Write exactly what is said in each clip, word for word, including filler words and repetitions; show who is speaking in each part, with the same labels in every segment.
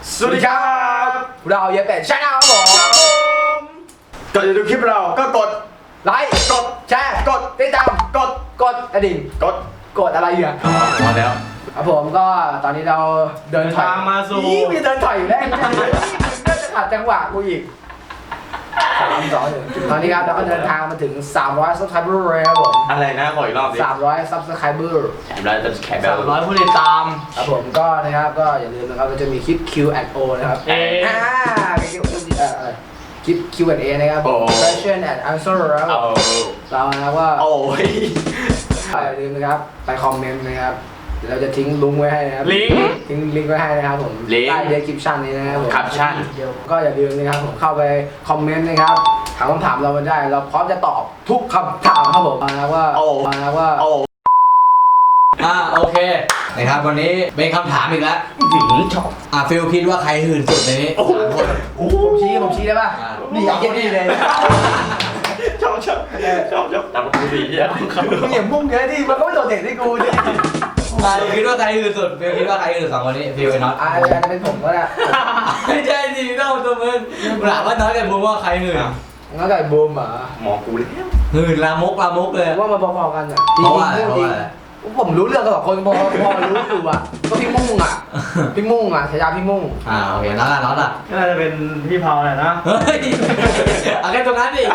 Speaker 1: สวัสดีครับเราเยเป็ดชาแนลครับผม
Speaker 2: ก่อนจะดูคลิปเราก็กด
Speaker 1: ไลค์กดแชร์กดติดตามกดกดกระดิ่ง
Speaker 2: กด
Speaker 1: กดอะไรอยู่อ่ะ
Speaker 2: พอแล้ว
Speaker 1: ครับผมก็ตอนนี้เราเดินถอย
Speaker 3: ทางมาสู่
Speaker 1: นี่มีเดินถอยอยู่แล้วน่าจะขัดจังหวะกูอีกสามสองหนึ่งตอนนี้ครับเราก็เดินทางมาถึงสามร้อย subscriber แล้วครับผม
Speaker 2: อะไรนะขออีกรอบดิ
Speaker 1: สามร้อย subscriber
Speaker 2: แถมแล้วจะแถมแบ
Speaker 3: สา
Speaker 2: บ
Speaker 3: มร้อยผู้ติดตาม
Speaker 1: ครับผมก็นะครับก็อย่าลืมนะครับเราจะมีคลิป คิว แอนด์ โอ นะครับ
Speaker 3: เอ๊ะ
Speaker 1: อ่าคลิปเอ่อคลิป คิว แอนด์ เอ นะครับ question and answer แล้ว
Speaker 2: เอา
Speaker 1: เรานะครับว่า
Speaker 2: โอ้ย
Speaker 1: อย่าลืมนะครับไปคอมเมนต์นะครับเดี๋ยวเราจะทิ้งลิงก์ไว้ให้นะครับ
Speaker 3: ลิงก์
Speaker 1: ทิ้งลิงก์ไว้ให้นะครับผมใต้ description นี้นะครับผม
Speaker 2: แคปชั่น
Speaker 1: ก็อย่าลืมนะครับผมเข้าไปคอมเมนต์นะครับถามคำถามเรามาได้เราพร้อมจะตอบทุกคำถามครับผมนะครับว่า
Speaker 2: โอ้
Speaker 1: นะครับว่า
Speaker 2: โอ้
Speaker 4: อ่าโอเคนะครับวันนี้เป็นคำถามอีกแล้ว
Speaker 2: ชอบ
Speaker 4: อ่าฟิลคิดว่าใครหื่นสุดในนี้
Speaker 2: โอ้โห
Speaker 1: ผมชี้ผมชี้ได้ป่ะ
Speaker 4: อ่า
Speaker 1: นี่อย่างนี้เลย
Speaker 2: ชอบชอบชอบชอบตามกูดีอ่ะ
Speaker 1: มึงอย่ามุ่งเยอะดิมันก็ไม่โดดเด่นที่กูดิ
Speaker 4: อ่าฟิลคิดว่าใครหื่นสุดฟิลคิดว่าใครหื่นสุดสองคนนี้ฟิลไอ้น็อต
Speaker 1: อ่าอาจจะเป็นผมก็ได้
Speaker 4: ไม่ใช่สิต้องตัวมึงถามว่าน็อตกับบูมว่าใครหื่น
Speaker 1: งั้นก็ไอ้บูมเหรอ
Speaker 2: หมอกูเลย
Speaker 4: หื่นลามกลามกเลย
Speaker 1: ผมว่ามันพอๆกันอ่ะ
Speaker 4: เพราะว่าอะไร
Speaker 1: จ
Speaker 4: เพราะ
Speaker 1: ริง
Speaker 4: ว่าอะไร
Speaker 1: ๆผมรู้เรื่องกับสองคนพอพอรู้อยู่อ่ะก็พี่มุ่งอ่ะพี่มุ่งอ่ะฉายาพี่มุ่ง
Speaker 4: อ่าโอเคน็อตอ่ะน็อตอ่ะ
Speaker 3: ก็น่าจะเป็นพี่เผาแหละนะ
Speaker 4: เฮ้ยเอาแค่ตรงนั้นดิ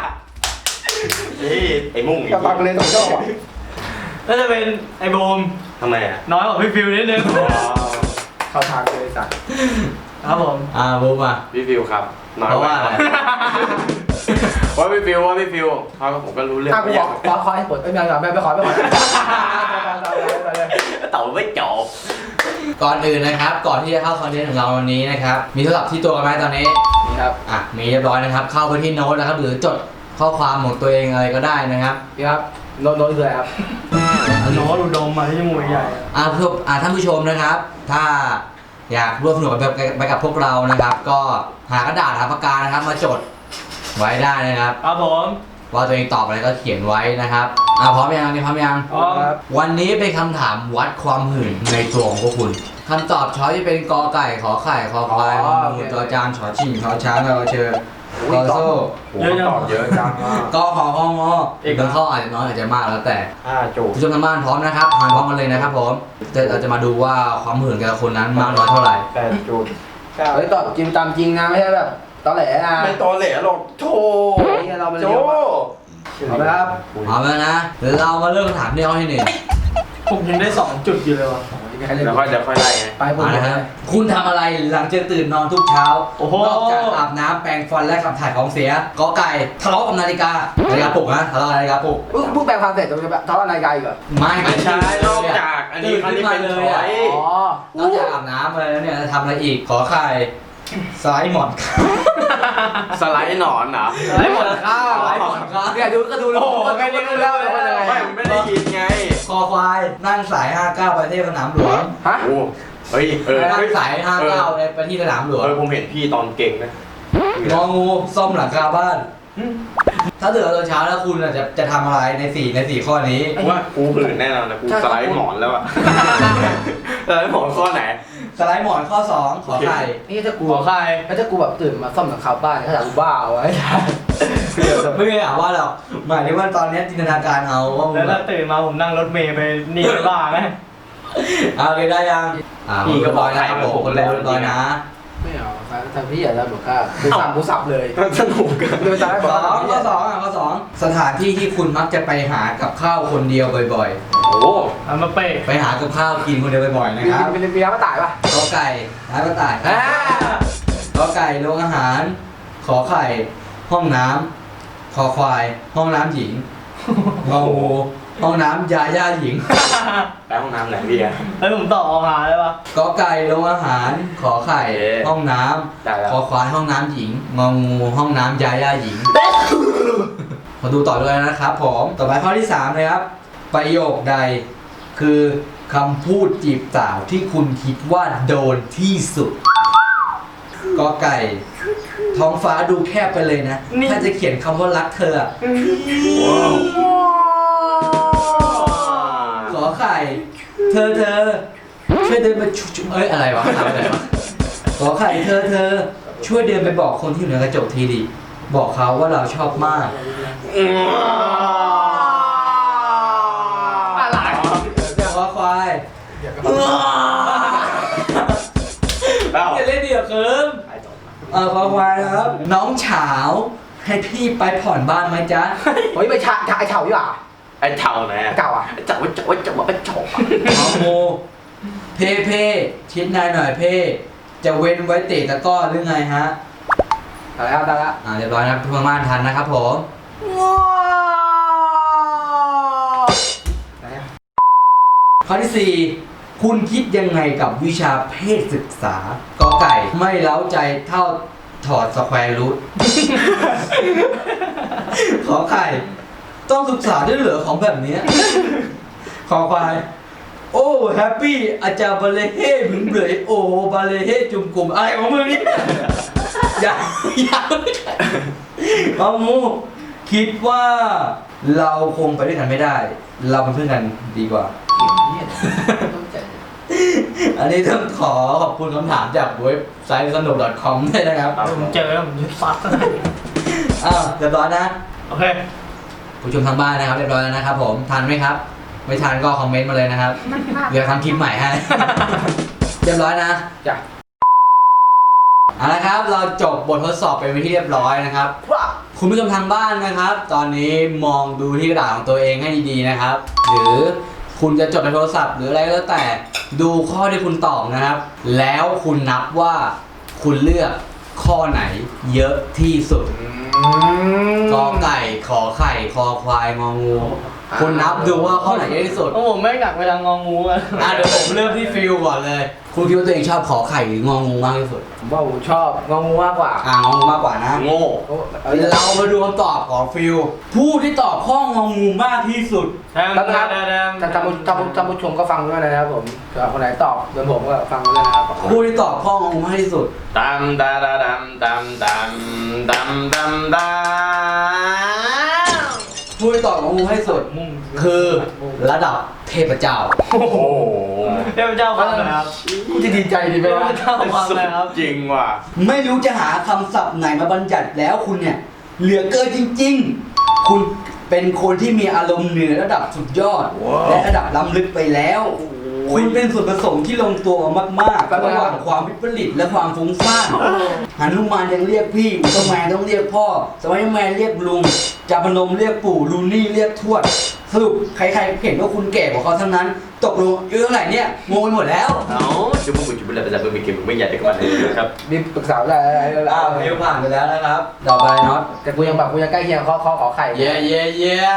Speaker 2: นี่ไอ้มุ่งอีก
Speaker 1: กับปากเลยสองชอบอ่ะ
Speaker 3: น่าจะเป็นไอ้โบม
Speaker 2: ทำไมอ่ะ
Speaker 3: น้อยกว่าพี่ฟิวนิดนึง
Speaker 1: เข้าทางเลยสัตว์
Speaker 3: ครับผม
Speaker 4: อ่าบูมอ่ะ
Speaker 2: พี่ฟิวครับน้อย
Speaker 4: เพราะว่าอะไร
Speaker 2: ว่าพี่ฟิวว่าพี่ฟิวเขาผมก็รู้เรื่อง
Speaker 1: ถ้ากูบอกขอขอให้ปลดไม่ไม่ไม่ไม่ขอไม่ขอ
Speaker 2: เต่าไม่จบ
Speaker 4: ก่อนอื่นนะครับ ก่อนที่จะเข้าคอนเทนต์ของเราวันนี้นะครับมีโทรศัพท์ที่ตัวกันไหมตอนนี้
Speaker 1: นี่ครับ
Speaker 4: อ่ะมีเรียบร้อยนะครับ เข้าไปที่โน้ตนะครับ หรือจดข้อความของตัวเองอะไรก็ได้นะครับ
Speaker 1: นี่ครับโน้ตโน้ตคืออะไรครับ
Speaker 3: โน้ตอุดมมาที่จมูกใหญ่
Speaker 4: อ่าเพื่ออ่าท่านผู้ชมนะครับ ถ้าอยากร่วมสนุกไปไปกับพวกเรานะครับ ก็หากระดาษหาปากกานะครับ มาจดไว้ได้นะครับ
Speaker 3: ครับผม
Speaker 4: ว่าตัวเองตอบอะไรก็เขียนไว้นะครับอ่าพร้อมยังนี่พร้อมยัง
Speaker 3: อ๋อ
Speaker 1: ครับ
Speaker 4: วันนี้เป็นคำถามวัดความหื่นในตัวของพวกคุณคำตอบช้อยจะเป็นกอไก่ขอไข่คอควายงองูจอจานชอชิงชอช้างชอเชอคอโซ่
Speaker 2: โอ้โหตอบเยอะจังอ่ะ
Speaker 4: กอขอคองออีกบางข้ออาจจะน้อยอาจจะมากแล้วแต่
Speaker 2: ห้าจูบ
Speaker 4: ผู้ชมทางบ้านพร้อมนะครับทานพร้อมกันเลยนะครับผมจะเราจะมาดูว่าความหื่นแต่ละคนนั้นมากน้อยเท่าไหร่
Speaker 2: แปดจูบ
Speaker 1: เฮ้ยตอบจริงตามจริงนะไม่ใช่แบบตอแหลนะ
Speaker 2: ไม่ตอแหลหรอกโธ่
Speaker 1: นี่เรามัน
Speaker 2: โจ
Speaker 1: เร็วเอาละครับ
Speaker 4: พร้อมแล้วนะเดี๋ยวเรามาเริ่มคำถามที่ข้อที่หนึ่ง
Speaker 3: ผมยังได้สองจุดอยู่เลยว่ะ
Speaker 1: มีใครเล่น
Speaker 2: เดี๋ยวค่อยเดี๋ยวค่อยไล่ไง
Speaker 1: ไปผม
Speaker 4: มา
Speaker 1: เล
Speaker 4: นะ
Speaker 1: ย
Speaker 4: ครับคุณทำอะไรหลังจากตื่นนอนทุกเช้า
Speaker 3: โอ้โห
Speaker 4: นอกจากอาบน้ำแปรงฟันและขับถ่ายของเสียกอไก่ทะเลาะกับนาฬิกานาฬิกาปลุกนะทะเลาะกับนาฬิกาปลุก
Speaker 1: เพิ่งเพิ่งแปลงความเสร็จจะไปเท่าอะไรกันอีกเหรอ
Speaker 4: ไม่
Speaker 2: ไม่ใช่นอกจากอันนี้อันนี้เป็นช้อย
Speaker 1: อ๋อน
Speaker 4: อกจากอาบน้ำอะไรแล้วเนี่ยจะทำอะไรอีกขอไข่สไลด์หมอน
Speaker 2: สไลด์หนอนเหรอ
Speaker 1: ไอ้หมดข้าว
Speaker 4: สไลด์หมอนครับ
Speaker 1: เนี่ยดูก็ดูแล้วก็ดูแล้วว่าเป็นยังไง
Speaker 2: ไม่มันไม่ได้ยินไง
Speaker 4: คอควายนั่งสายห้าเก้าไปที่สนามหลวง
Speaker 1: ฮะ
Speaker 2: โอ้เฮ้ยเออ
Speaker 4: นั่
Speaker 2: เฮ้
Speaker 4: ง
Speaker 2: ย
Speaker 4: สายห้าเก้าไปที่สนามหลวง
Speaker 2: เออผมเห็นพี่ตอนเก่งนะ
Speaker 4: งองูซ่อมหลังคาบ้าน ถ้าตื่นตอนเช้าแล้วคุณอ่ะจะจะทำอะไรในสี่ในสี่ข้อนี้
Speaker 2: ว่ากูหื่นแน่นอนนะกูสไลด์หมอนแล้วอะสไลด์หมอนข้อไหน
Speaker 4: สไลด์หมอนข้อสองขอไข่
Speaker 1: นี่ถ้ากู
Speaker 3: หัวใคร
Speaker 1: ถ้ากูแบบตื่นมาซ่อมหลังคาบ้านเขาจะกูบ้าเอาไว้
Speaker 4: ไม่ได้อ่านว่าหรอกหมายถึงว่าตอนนี้จินตนาการเอาว่ามึ
Speaker 3: แล้ว
Speaker 4: งแบ
Speaker 3: ถ้า
Speaker 4: บ
Speaker 3: ตื่นมาผมนั่งรถเมย์ไปนี่ไปบ้าไหม
Speaker 4: เอาเลยได้ยังอ่าพี่ก็บอกนะครับผมคนแรกเรียบร้อยนะ
Speaker 1: ไม่เอาทำพี่อย่าทำหรอกครับกูสับกูสับเลย
Speaker 2: สนุกกัน
Speaker 1: เดินตามให้บ
Speaker 4: ส
Speaker 1: อก
Speaker 4: องข้อสองอ่ะข้อสองสถานที่ที่คุณมักจะไปหากับข้าวคนเดียวบ่อย
Speaker 2: โอ้
Speaker 3: เอามาเปะ
Speaker 4: ๆ ไปหากับข้าวกินคนเดียวบ่อยๆนะ
Speaker 1: มี
Speaker 4: ครับ
Speaker 1: มีมีน้ำมาตายป่ะ
Speaker 4: กอไก่ร้านกระต่าย
Speaker 1: อ่าก
Speaker 4: อไก่โรงอาหาร ขอไข่ ห้องน้ำคอควาย ห้องน้ำหญิงงองูห้องน้ำยาย่าหญิง
Speaker 2: แล้วห้องน้ำไหนดีอะ
Speaker 3: แล้วผมต่อเอาหาเลยปะ
Speaker 4: กอไก่โรงอาหาร ขอไข่
Speaker 2: เอ๊ะ
Speaker 4: ห้องน้
Speaker 2: ได้แล้ว
Speaker 4: ำคอควายห้องน้ำหญิงงองูห้องน้ำยาย่าหญิงมาดูต่อเลยนะครับผมต่อไปข้อที่สามเลยครับ ประโยคใด คือคำพูดจีบสาวที่คุณคิดว่าโดนที่สุดกอไก่ ท้องฟ้าดูแคบไปเลยนะ ถ้าจะเขียนคำว่ารักเธออะ
Speaker 2: ว้าว
Speaker 4: ขอไข่ เธอเธอช่วยเดินมาชุบเอ้ยอะไรวะทำอะไรวะขอไข่เธอเธอ ช่วยเดินไปบอกคนที่อยู่ในกระจกทีดิบอกเขาว่าเราชอบมาก
Speaker 1: อะไร
Speaker 4: ขอควาย
Speaker 2: เอ้า
Speaker 4: อย่าเล่นเดี่ยวเคิมเออขอควายนะครับ น้องเฉาให้พี่ไปผ่อนบ้านไหมจ๊ะ
Speaker 1: เฮ้ยไปฉาฉาไอ้เฉาดีกว่า
Speaker 2: ไอ้เท่าไหน
Speaker 1: เก่าอ่ะ
Speaker 2: ไอ้เจ้าไอ้เจ้าไอ้เจ้าไอ้เจ้า
Speaker 4: น้องโมเพ่เพ่ชิดนายหน่อยเพ่จะเว้นไว้เตะตะก้อหรือไงฮะ
Speaker 1: อะไรครับได้แล้ว
Speaker 4: อ่าเรียบร้อยนะครับทุกคนบ้านทันนะครับผมข้อที่สี่คุณคิดยังไงกับวิชาเพศศึกษากอไก่ไม่เล้าใจเท่าถอดสแควร์รูท ขอไข่ต้องศึกษาด้วยเหรอของแบบเนี้ย ขอควายโอ้แฮปปี้อาจารย์บาเลเฮ่ผึงเบยโอบาเลเฮ่จุ่มกลุ่มอะไรของมึงเนี่ย อย่าอย่าเอามูคิดว่าเราคงไปด้วยกันไม่ได้ เราเป็นเพื่อนกันดีกว่า อันนี้ต้องขอขอบคุณคำถามจากเว็บไซต์สนุก .com ด้วยนะครับ
Speaker 3: ผมเจอผมจะซัด
Speaker 4: อ้าวเรียบร้อยนะ
Speaker 3: โอเค
Speaker 4: ผู้ชมทางบ้านนะครับเรียบร้อยแล้วนะครับผมทันไหมครับ ไม่ทันก็คอมเมนต์มาเลยนะครับเดี๋ยวทำคลิปใหม่ให้ เรียบร้อยนะ
Speaker 1: จ้ะ
Speaker 4: เอาละครับเราจบบททดสอบไปเป็นที่เรียบร้อยนะครับ
Speaker 1: ว้า
Speaker 4: คุณผู้ชมทางบ้านนะครับ ตอนนี้มองดูที่กระดาษของตัวเองให้ดีๆนะครับ หรือคุณจะจดในโทรศัพท์หรืออะไรก็แล้วแต่ดูข้อที่คุณตอบนะครับ แล้วคุณนับว่าคุณเลือกข้อไหนเยอะที่สุดกอไก่ขอไข่คอควายงองูคุณนับดูว่าข้อไหนเยอะที่สุด
Speaker 3: โอ้ผมไม่หนักไปทางงองูอ่ะ
Speaker 4: อ่ะเดี๋ยวผมเริ่มที่ฟิลก่อนเลย คุณคิดว่าตัวเองชอบขอไข่หรืององูมากที่สุด
Speaker 1: ผมว่าผมชอบงองูมากกว่า
Speaker 4: อ่างองูมากกว่านะ
Speaker 2: โง่
Speaker 1: โอ้เอาเย
Speaker 4: เรามาดูคำตอบของฟิลผู้ที่ตอบข้ององูมากที่สุด
Speaker 3: แดมแดมแดม
Speaker 1: ท่านท่านผู้ท่านผู้ท่านผู้ชมก็ฟังด้วยนะครับผมเผื่อคนไหนตอบเหมือนผมก็ฟังด้วยนะครับ
Speaker 4: ผู้ที่ตอบข้ององูมากที่สุด
Speaker 2: ตามดาดาดำดำดำดำดำดำ
Speaker 4: ผู้ที่ตอบของงูให้สุด
Speaker 3: มุ่ง
Speaker 4: คือระดับเทพเจ้า
Speaker 2: โอ้โห
Speaker 3: เทพเจ้าความอะไรครับ
Speaker 1: กูจะดีใจดี
Speaker 3: เท
Speaker 1: ไหม
Speaker 3: พ
Speaker 1: วะ
Speaker 3: เจ้าความ
Speaker 2: สุ
Speaker 3: อะไร
Speaker 2: ด
Speaker 3: ครับ
Speaker 2: จริงว่ะ
Speaker 4: ไม่รู้จะหาคำศัพท์ไหนมาบัญญัติแล้วคุณเนี่ย เหลือเกินจริงๆ คุณเป็นคนที่มีอารมณ์เหนือระดับสุดยอด และระดับล้ำลึกไปแล้ว คุณเป็นส่วนผสมที่ลงตัวมากๆระหว่างความวิปริตและความฟุ้งซ่านหนุมานยังเรียกพี่อุลตร้าแมนต้องเรียกพ่อสไปเดอร์แมนเรียกลุงจาพนมเรียกปู่ลูนี่เรียกทวดสรุปใครๆเห็นว่าคุณแก่กว่าเขาทั้งนั้น ตกลงอายุเท่าไหร่เนี่ยงงไปหมดแล้ว
Speaker 2: เอาจะมึงจะเป็นอะไรจะเป็นเกมมึงไม่อยากจะกันเลยนะครับ
Speaker 1: มีปรึกษาได้อะไรอะไร
Speaker 4: อ้าวฟิวผ่านไปแล้วนะครับ ต่อไปน็อต
Speaker 1: แต่กูยังแบบกูยังใกล้เคียงข้อข้อขอไข่
Speaker 4: เย้เย้เย้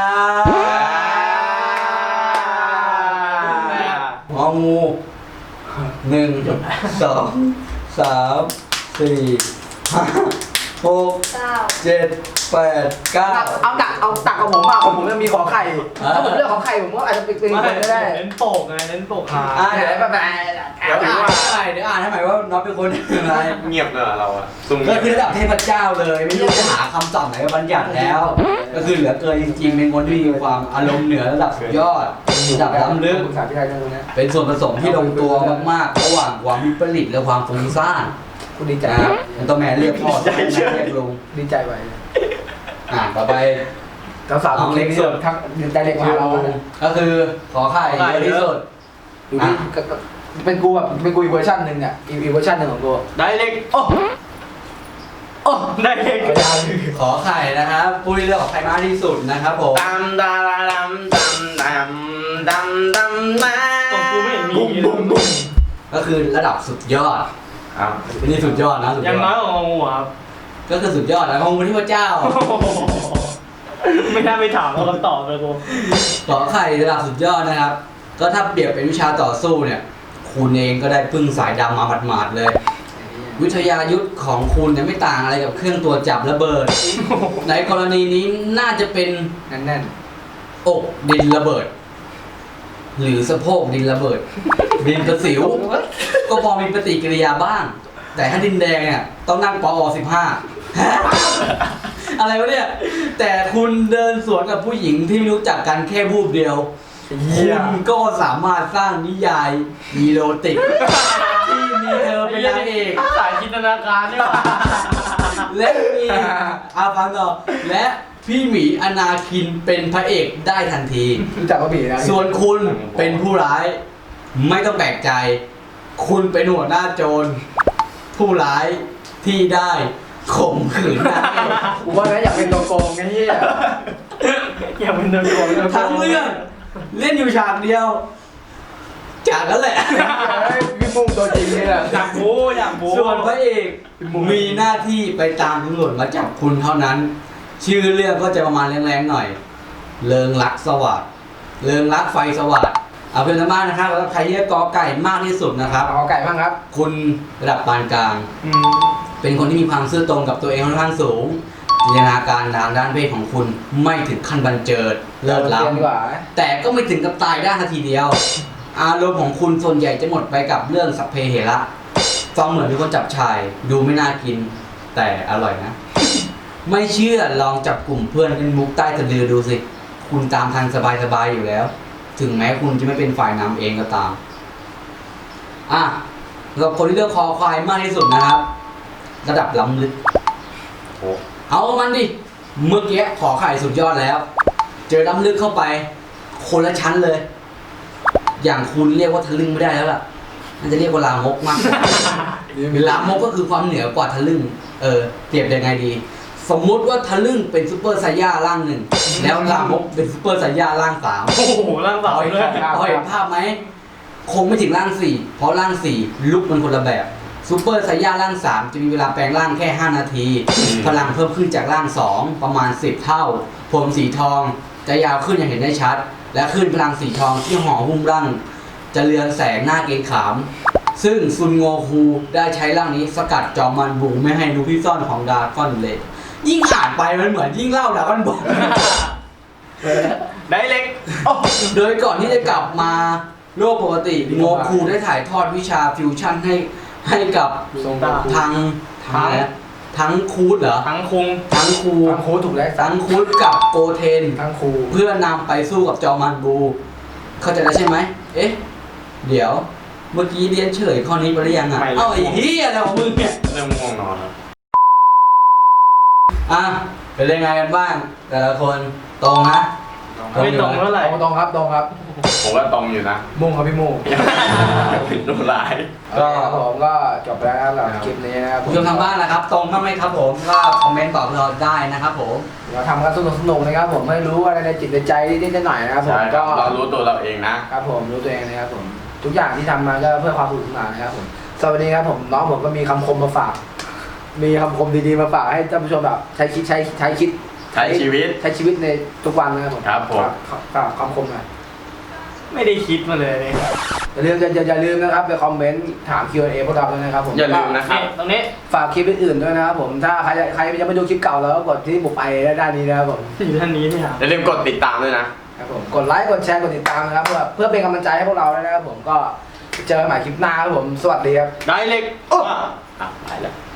Speaker 4: งองูหนึ่งสองสามสี่ห้าหก
Speaker 5: เก้า
Speaker 4: เจ็ดแปดเก้า
Speaker 1: เอาตักเอาตักกับผมอ่ะของผมจะมีขอไข่ถ้าผมเลือกขอไข่ผมก็อาจจะเป็นเป็น
Speaker 3: ไม่
Speaker 1: คนก็ได้
Speaker 3: เน้นโปกไงเน้นโปกขา
Speaker 4: อ่ะ
Speaker 1: เดี๋ยวแบบแบบ
Speaker 4: เดี๋ยวอ่านให้ใหม่เดี๋ยวอ่านให้ใหม่ว่าน็อตเป็นคนยังไง
Speaker 2: เงียบเลยเราอะซุ่ม
Speaker 4: ก็
Speaker 2: เงียบ
Speaker 4: คือระดับเทพเจ้าเลยไม่รู้จะหาคำศัพท์ไหนมาบัญญัติแล้ว ก็คือเหลือเกินจริงๆเป็นคนที่มีความอารมณ์เหนือระดับสุดยอดระดับล้ำลึก
Speaker 1: ปรึกษาพี่ชายเรื่องนี้
Speaker 4: เป็นส่วนผสมที่ลงตัวมากๆ ระหว่างความวิปริตและความฟุ้งซ่าน
Speaker 1: กูดีใจ
Speaker 4: นะครับเป็นตัวแมนเรียกพ่อตัวแมนเรียกลุง
Speaker 1: ดีใจไป
Speaker 4: อ่าต่อไป
Speaker 1: สาวสาวเล็กสุดทั้งใจเล็กมาเรา
Speaker 4: ก็คือขอไข่เยอะที่สุด
Speaker 1: ดูที่เป็นกูแบบเป็นกูอีกเวอร์ชันหนึ่งเนี่ยอีกเวอร์ชันหนึ่งของกู
Speaker 3: ได้เล็ก
Speaker 1: โอ้โอ้
Speaker 3: ได้เล็ก
Speaker 4: ขอไข่นะครับผู้ที่เลือกขอไข่มากที่สุดนะครับผม
Speaker 2: ตามดาดาดำดำดำดำดำดำ
Speaker 3: ตรงกูไม่เห็นมี
Speaker 1: บุ้มบุ้มบุ้ม
Speaker 4: ก็คือระดับสุดยอด
Speaker 2: อ้าว
Speaker 4: นี่สุดยอดนะสุดย
Speaker 3: ยังน้
Speaker 4: อ
Speaker 3: อย
Speaker 4: ด
Speaker 3: กว่างองูครับ
Speaker 4: ก็คือสุดยอดนะของพระที่พระเจ้า
Speaker 3: ไม่น่าไปถามเราคำตอบเลยกู
Speaker 4: ขอไข่ระดับสุดยอดนะครับ ก็ถ้าเปรียบเป็นวิชาต่อสู้เนี่ย คุณเองก็ได้พึ่งสายดำมาหมาดๆเลย วิทยายุทธของคุณเนี่ยไม่ต่างอะไรกับเครื่องตรวจจับระเบิด ในกรณีนี้น่าจะเป็น
Speaker 1: แน่นแน่น
Speaker 4: อกดินระเบิด หรือสะโพกดินระเบิด ดินกระสิว ก็พอมีปฏิกิริยาบ้าง แต่ถ้าดินแดงเนี่ยต้องนั่งปอสิบห้า อะไรวะเนี่ย แต่คุณเดินสวนกับผู้หญิงที่ไม่รู้จักกันแค่วูบเดียว คุณก็สามารถสร้างนิยายอีโรติก ที่มีเธอเป็นนางเอก
Speaker 3: สายตนาการนี่หว่า
Speaker 4: และมีอาฟังต่อและพี่หมีอนาคินเป็นพระเอกได้ทันที
Speaker 1: รู้จักกระบี่นะ
Speaker 4: ส่วนคุณเป็นผู้ร้าย ไม่ต้องแปลกใจ คุณเป็นหัวหน้าโจร ผู้ร้ายที่ได้ข่มขืนนางเอก
Speaker 1: กูว่านะอยากเป็นตัวโกงไอ้เหี้ย
Speaker 3: อย่าเป็นเดินโกง
Speaker 4: ทั้งเรื่องเล่นอยู่ฉากเดียว จากนั้นแหละ
Speaker 1: เฮ้ยพี่มุ้งตัวจริงเนี่ยแหละ
Speaker 3: อยากบู๊อยากบู๊
Speaker 4: ส่วนพระเอกมีหน้าที่ไปตามตำรวจมาจับคุณเท่านั้น ชื่อเรื่องก็จะประมาณแรงๆหน่อย เริงรักสวัสดเริงรักไฟสวัสดเอาเป็นธรรมะนะครับแล้วใครที่กอไก่มากที่สุดนะครับ
Speaker 1: เอาไก่บ้างครับ
Speaker 4: คุณระดับปานกลาง
Speaker 3: อืม
Speaker 4: เป็นคนที่มีความซื่อตรงกับตัวเองค่อนข้างสูงจินตนาการทางด้านเพศของคุณไม่ถึงขั้นบันเจิดเลิศล้
Speaker 1: เรียนดีกว่า
Speaker 4: ำแต่ก็ไม่ถึงกับตายได้นาทีเดียว อารมณ์ของคุณส่วนใหญ่จะหมดไปกับเรื่องสัพเพเหระฟังเหมือนมีคนจับชาย ดูไม่น่ากิน แต่อร่อยนะ ไม่เชื่อลองจับกลุ่มเพื่อนเป็นมุกใต้สะดือดูสิ คุณตามทางสบายๆอยู่แล้ว ถึงแม้คุณจะไม่เป็นฝ่ายนำเองก็ตาม อ่ะสำหรับคนที่เลือกคอควายมากที่สุดนะครับ ระดับล้ำลึก
Speaker 2: โอ้
Speaker 4: เอามันดิ เมื่อกี้ขอไข่สุดยอดแล้ว เจอล้ำลึกเข้าไป คนละชั้นเลย อย่างคุณเรียกว่าทะลึ่งไม่ได้แล้วล่ะน่าจะเรียกว่าลามกมากกว่า ลามกก็คือความเหนือกว่าทะลึ่ง เออ เปรียบยังไงดี สมมุติว่าทะลึ่งเป็นซูเปอร์ไซย่าร่างหนึ่ง แล้วลามกเป็นซูเปอร์ไซย่าร่างสาม
Speaker 3: โอ้โหร่างสาว
Speaker 4: พอเห็น
Speaker 3: ด้วย
Speaker 4: พอเห็นภาพไหม คงไม่ถึงร่างสี่ เพราะร่างสี่ลุกมันคนละแบบซูเปอร์ไซย่าร่างสามจะมีเวลาแปลงร่างแค่ห้านาที พลังเพิ่มขึ้นจากร่างสองประมาณสิบเท่า ผมสีทองจะยาวขึ้นอย่างเห็นได้ชัด และขึ้นพลังสีทองที่ห่อหุ้มร่าง จะเรืองแสงหน้าเกรงขาม ซึ่งซุนโงคูได้ใช้ร่างนี้สกัดจอมมันบุงไม่ให้รู้ที่ซ่อนของดราก้อนเลย ยิ่งอ่านไปมันเหมือนยิ่งเล่าดราก้อนบุง
Speaker 3: ได้เล็ก
Speaker 4: โดยก่อนที่จะกลับมาโลกปกติโงคูได้ถ่ายทอดวิชาฟิวชั่นให้ให้กับ
Speaker 1: ทรง
Speaker 4: ทางทางอะไรนะทั้งคูดเหรอ
Speaker 3: ทั้งคุง
Speaker 4: ทั้งคู
Speaker 1: ทั้งครูถูกแล้ว
Speaker 4: ทั้งคูดกับโกเทน
Speaker 1: ทั้งครู
Speaker 4: เพื่อนำไปสู้กับจอมันบู เข้าใจแล้วใช่ไหม เอ๊ะ เดี๋ยว เมื่อกี้เรียนเฉลยข้อนี้ไปหรือยังอ่ะ
Speaker 2: ไม่เลย
Speaker 4: เอ้าไอ้เหี้ยอะไรของมึงเนี่ย
Speaker 2: เริ่มง่วงนอนแล้ว
Speaker 4: อ่ะ เป็นยังไงกันบ้าง แต่ละคนตรงนะ
Speaker 3: ไม่ตรงเท่าไหร่
Speaker 1: ตรงตรงครับตรงครับ
Speaker 2: ผมว่าตรงอยู่นะ
Speaker 1: มุ่งครับพี่มุ่ง
Speaker 2: เป็นตัวร้าย
Speaker 1: ก็ผมก็จบแล้วนะครับสำหรับคลิปนี้นะครับ
Speaker 4: ผู้ชมทางบ้านนะครับ ตรงบ้างไหมครับผม ก็คอมเมนต์ตอบเราได้นะครับผม
Speaker 1: เราทำกันสนุกสนุกๆนะครับผมให้รู้อะไรในจิตในใจนิดๆหน่อยๆนะครับผม
Speaker 2: ใช่ครั
Speaker 1: ก็
Speaker 2: บเรารู้ตัวเราเองนะ
Speaker 1: ครับผมรู้ตัวเองนะครับผมทุกอย่างที่ทำมาก็เพื่อความสนุกสนานนะครับผมสวัสดีครับผมน้องผมก็มีคำคมมาฝาก มีคำคมดีๆมาฝากให้ท่านผู้ชมแบบใช้คิดใช้ใช้คิด
Speaker 2: ใช้ชีวิต
Speaker 1: ใช้ชีวิตในทุกวันนะครับผม
Speaker 2: ครับผม
Speaker 1: ฝากฝากคำคมหน่อย
Speaker 3: ไม่ได้คิดมาเลยเนี่ย
Speaker 1: อย่าลืมอย่าอย่าอย่าลืมนะครับไปคอมเมนต์ถาม คิว แอนด์ เอ พวกเราด้วยนะครับผม
Speaker 2: อย่าลืมนะครับ
Speaker 3: ตรงนี้
Speaker 1: ฝากคลิปอื่นๆด้วยนะครับผมถ้าใครใครยังไม่ดูคลิปเก่าแล้วก็กดที่บุกไปด้านนี้นะครับผม
Speaker 3: อยู่ท่านนี้เนี่ย
Speaker 2: อย่าลืมกดติดตามด้วยนะ
Speaker 1: ครับผมกดไลค์กดแชร์กดติดตามนะครับเพื่อเพื่อเป็นกำลังใจให้พวกเราด้วยนะครับผมก็เจอกันใหม่คลิปหน้าครับผมสวัสดีครับ
Speaker 2: ได้เล็ก
Speaker 1: โอ้
Speaker 2: อ่ะไปแล้ว